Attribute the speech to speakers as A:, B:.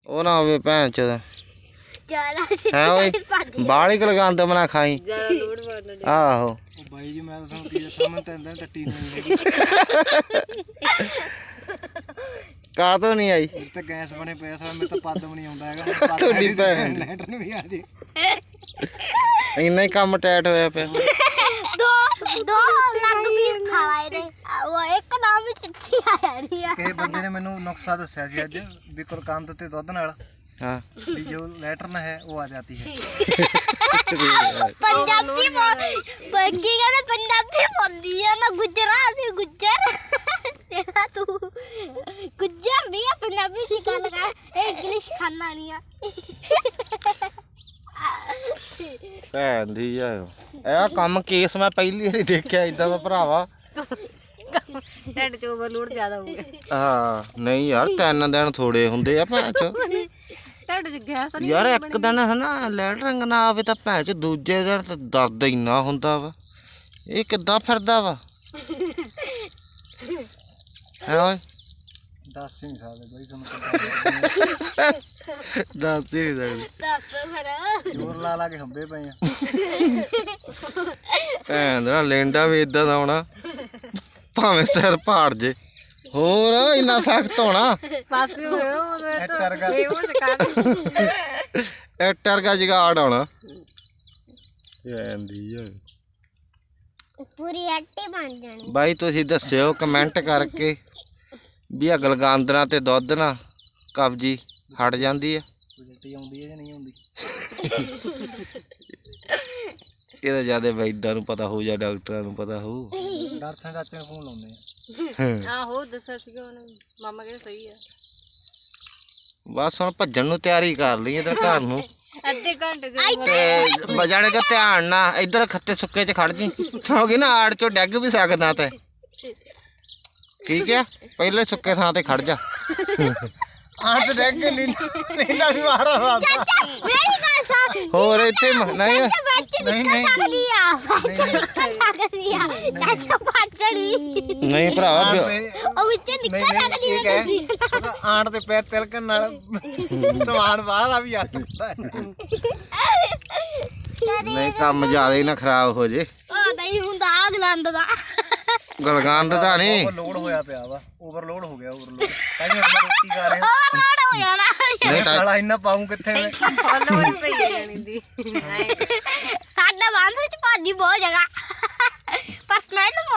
A: ਉਹ ਨਾ ਹੋਵੇ ਭੈਣ ਚੋਦ
B: ਜ਼ਿਆਦਾ
A: ਹੈ ਓਏ ਬਾਹਲੀ ਗਲਗੰਦ ਬਣਾ ਖਾਈ
C: ਜ਼ਿਆਦਾ ਲੋੜ ਮਾਰਨਾ
A: ਆਹੋ
D: ਉਹ ਬਾਈ ਜੀ ਮੈਂ ਤਾਂ ਤੁਹਾਨੂੰ ਕੀ ਦੱਸਾਂ ਮੈਂ ਤਾਂ ਇੰਦਾਂ ਟੱਟੀ ਨਹੀਂ ਹੈਗੀ
A: ਕਾਹਤੋਂ ਨਹੀਂ ਆਈ
D: ਮੇਰੇ ਤਾਂ ਗੈਸ ਬਣੇ ਪਿਆ ਸਾਰਾ ਮੇਰੇ ਤਾਂ ਪੱਦ ਵੀ ਨਹੀਂ ਆਉਂਦਾ ਹੈਗਾ
A: ਤੁਹਾਡੀ ਭੈਣ
D: ਲੈਟਰ ਨੂੰ ਵੀ ਆ ਜੇ
A: ਇੰਨਾ ਹੀ ਕੰਮ ਟਾਈਟ ਹੋਇਆ ਪਿਆ
B: ਦੋ ਲੱਗ ਵੀ ਖਾ ਲਾਏ ਨੇ ਉਹ ਇੱਕ ਨਾਮ ਵੀ ਚਿੱਠੀ ਆ ਜਾਣੀ ਆ
D: ਕਿਸੇ ਬੰਦੇ ਨੇ ਮੈਨੂੰ ਨੁਕਸਾ ਦੱਸਿਆ ਸੀ ਅੱਜ ਵੀ ਕੁਲਕੰਦ ਤੇ ਦੁੱਧ ਨਾਲ
A: ਹਾਂ
D: ਵੀ ਜੋ ਲੈਟਰਨ ਹੈ ਉਹ ਆ ਜਾਤੀ ਹੈ
B: ਪੰਜਾਬੀ ਬੰਗੀ ਕਹਿੰਦੇ ਪੰਜਾਬੀ ਬੋਲਦੀ ਆ ਮੈਂ ਗੁਜਰਾਤੀ ਗੁੱਜਰ ਤੇਰਾ ਤੂੰ ਗੁੱਜਰ ਨਹੀਂ ਆ ਪੰਜਾਬੀ ਦੀ ਗੱਲ ਕਰ ਇਹ ਇੰਗਲਿਸ਼ ਖਾਣਾ ਨਹੀਂ ਆ
A: ਭੈਣ ਦੀ ਆ ਇਹ ਕੰਮ ਕੇਸ ਮੈਂ ਪਹਿਲੀ ਵਾਰੀ ਦੇਖਿਆ ਇਦਾਂ ਦਾ ਭਰਾਵਾ
C: ਢਿੱਡ 'ਚ ਓਵਰਲੋਡ ਜ਼ਿਆਦਾ ਹੋ ਗਿਆ
A: ਹਾਂ ਨਹੀਂ ਯਾਰ 3 ਦਿਨ ਥੋੜੇ ਹੁੰਦੇ ਆ ਭੈਣ ਚ
C: ਢਿੱਡ 'ਚ ਗੈਸ ਨਹੀਂ
A: ਯਾਰ ਇੱਕ ਦਿਨ ਹਨਾ ਲੈਟਰਿੰਗ ਨਾ ਆਵੇ ਤਾਂ ਭੈਣ ਚ ਦੂਜੇ ਦਿਨ ਤਾਂ ਦਰਦ ਇੰਨਾ ਹੁੰਦਾ ਵਾ ਇਹ ਕਿੱਦਾਂ ਫਿਰਦਾ ਵਾ ਹੈ ਓਏ
D: ਦੱਸ ਹੀ ਨਹੀਂ ਸਕਦੇ ਬਾਈ ਤੁਹਾਨੂੰ
A: ਦੱਸ ਹੀ ਨਹੀਂ ਸਕਦੇ
B: ਦੱਸ ਫਿਰ
D: ਜ਼ੋਰ ਲਾ ਲਾ ਕੇ ਹੰਬੇ ਪਏ ਆ
A: ਭੈਣ ਦਾ ਲੈਂਡਾ ਵੀ ਇਦਾਂ ਦਾ ਹੋਣਾ ਭਾਵੇਂ ਸਿਰ ਪਾੜ ਜੇ ਹੋਰ ਇੰਨਾ ਸਖਤ ਹੋਣਾ
C: ਪਾਸੇ ਹੋ ਗਏ ਉਹਦੇ
D: ਐਟਰ ਗਾ
C: ਇਹ ਉਹ ਕਰ
A: ਐਕਟਰ ਦਾ ਜਗਾੜ ਹੋਣਾ ਜਾਂਦੀ ਆ
B: ਪੂਰੀ ਅੱਟੀ ਬਣ ਜਾਣੀ
A: ਬਾਈ ਤੁਸੀਂ ਦੱਸਿਓ ਕਮੈਂਟ ਕਰਕੇ ਵੀ ਆ ਗਲਗਾਂਦਰਾਂ ਤੇ ਦੁੱਧ ਨਾ ਕਬਜੀ ਹਟ ਜਾਂਦੀ ਆ
D: ਉਲਟੀ ਆਉਂਦੀ ਹੈ ਜਾਂ ਨਹੀਂ ਆਉਂਦੀ
A: ਇਹਦਾ ਜਿਆਦਾ ਵੈਦਾਂ ਨੂੰ ਪਤਾ ਹੋਊ ਜਾਂ ਡਾਕਟਰਾਂ ਨੂੰ ਪਤਾ ਹੋਊ
D: ਦਰਸ਼ਨ ਚਾਚੇ ਨੂੰ ਫੋਨ ਲਾਉਂਦੇ ਆ
C: ਆਹੋ ਦੱਸਿਆ ਸੀਗਾ ਉਹਨੇ ਮਾਮਾ ਕਹਿੰਦਾ ਸਹੀ ਆ
A: ਬਸ ਹੁਣ ਭੱਜਣ ਨੂੰ ਤਿਆਰੀ ਕਰ ਲਈ ਇਧਰ ਘਰ ਨੂੰ
C: ਅੱਧੇ ਘੰਟੇ 'ਚ
A: ਤੇ ਬਜਾਣੇ ਕਾ ਧਿਆਨ ਨਾ ਇਧਰ ਖੱਤੇ ਸੁੱਕੇ ਚ ਖੜ ਜੀ ਕਿਉਂਕਿ ਨਾ ਆੜ ਚੋਂ ਡਿੱਗ ਵੀ ਸਕਦਾ ਤੇ ਠੀਕ ਹੈ ਪਹਿਲੇ ਸੁੱਕੇ ਥਾਂ ਤੇ ਖੜ ਜਾ
D: ਆਹ ਤੇ ਦੇਖ ਨਹੀਂ ਇਹਦਾ ਵੀ ਮਾਰਾ ਰਾਦਾ
B: ਮੇਰੀ ਗੱਲ ਸੁਣ
A: ਹੋਰ ਇੱਥੇ ਨਹੀਂ
D: ਨਹੀਂ ਨਹੀਂ
B: ਸਕਦੀ ਆ ਸਕਦੀ ਆ ਚਾਚਾ ਪਾਚੜੀ
A: ਨਹੀਂ ਭਰਾਵਾ
B: ਉਹ ਵਿੱਚ ਨਿਕਲ ਸਕਦੀ
D: ਇਹ ਕਹਿ ਆਂਟ ਦੇ ਪੈਰ ਤਿਲਕਣ ਨਾਲ ਸਮਾਨ ਬਾਹਰ ਆ ਵੀ ਆ ਸਕਦਾ ਹੈ
A: ਨਹੀਂ ਕੰਮ ਜ਼ਿਆਦਾ ਹੀ ਨਾ ਖਰਾਬ ਹੋ ਜੇ
B: ਉਹ ਨਹੀਂ ਹੁੰਦਾ ਆਗ ਲੰਦ ਦਾ
A: ਗਲਗੰਦ ਦਾ ਨਹੀਂ
D: ਓਵਰਲੋਡ ਹੋਇਆ ਪਿਆ ਵਾ ਓਵਰਲੋਡ ਹੋ ਗਿਆ ਓਵਰਲੋਡ ਤਾਂ ਹੀ ਆਪਾਂ ਰੋਟੀ ਖਾ ਰਹੇ ਹਾਂ
B: ਓਵਰਲੋਡ ਹੋ ਜਾਣਾ
A: ਨਹੀਂ ਤਾਂ
D: ਸਾਲਾ ਇੰਨਾ ਪਾਉਂ ਕਿੱਥੇ ਮੈਂ
C: ਫੋਲੋਵਰ ਪਈ ਜਾਣੀ ਦੀ
B: ਸਾਡਾ ਬੰਦ ਵਿੱਚ ਭਾਜੀ ਬਹੁਤ ਜਗ੍ਹਾ ਪਰ ਸਮੈਲ